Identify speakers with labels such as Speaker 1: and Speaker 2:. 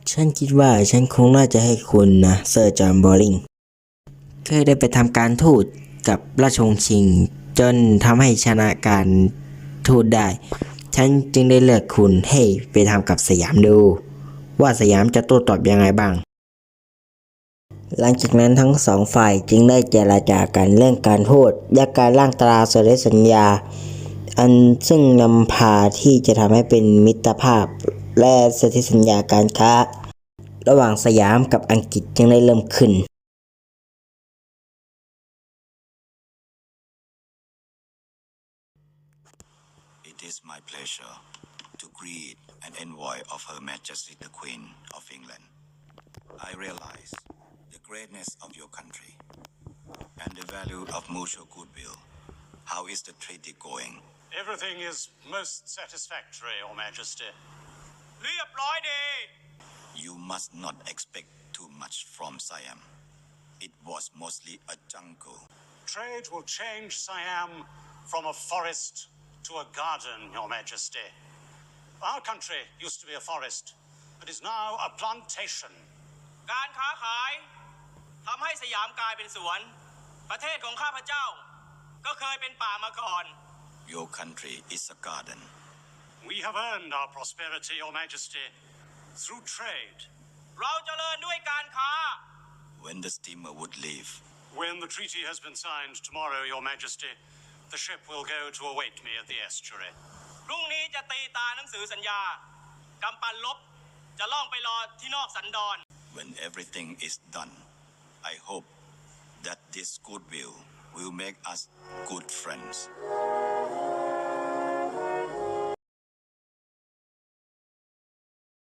Speaker 1: ฉันคิดว่าฉันคงน่าจะให้คุณนะเซอร์จอห์นบอริงเคยได้ไปทำการทูตกับราชวงศ์ชิงจนทำให้ชนะการทูตได้ฉันจึงได้เลือกคุณให้ไปทำกับสยามดูว่าสยามจะโต้ตอบยังไงบ้างหลังจากนั้นทั้งสองฝ่ายจึงได้เจรจากันเรื่องการทูตและการร่างตราสนธิสัญญาอันซึ่งนำพาที่จะทำให้เป็นมิตรภาพและสนธิสัญญาการค้าระหว่างสยามกับอังกฤษจึงได้เริ่มขึ้น
Speaker 2: It is my pleasure to greet an envoy of Her Majesty the Queen of England. I realize the greatness of your country and the value of mutual goodwill. How is the treaty going?
Speaker 3: Everything is most satisfactory, Your Majesty.
Speaker 4: เรียบร้อยดี
Speaker 2: You must not expect too much from Siam. It was mostly a jungle.
Speaker 3: Trade will change Siam from a forest to a garden, Your Majesty. Our country used to be a forest, but is now a plantation.
Speaker 4: การค้าขายทำให้สยามกลายเป็นสวนประเทศของข้าพเจ้าก็เคยเป็นป่ามาก่อน
Speaker 2: Your country is a garden.
Speaker 3: We have earned our prosperity, Your Majesty, through trade.
Speaker 4: เราเจริญด้วยการค้า
Speaker 2: When the steamer would leave,
Speaker 3: When the treaty has been signed tomorrow, Your Majesty, the ship will go to await me at the estuary.
Speaker 4: พรุ่งนี้จะตีตาหนังสือสัญญากำปั้นลบจะล่องไปรอที่นอกสันดอน
Speaker 2: when everything is done, I hope that this goodwill will make us good friends.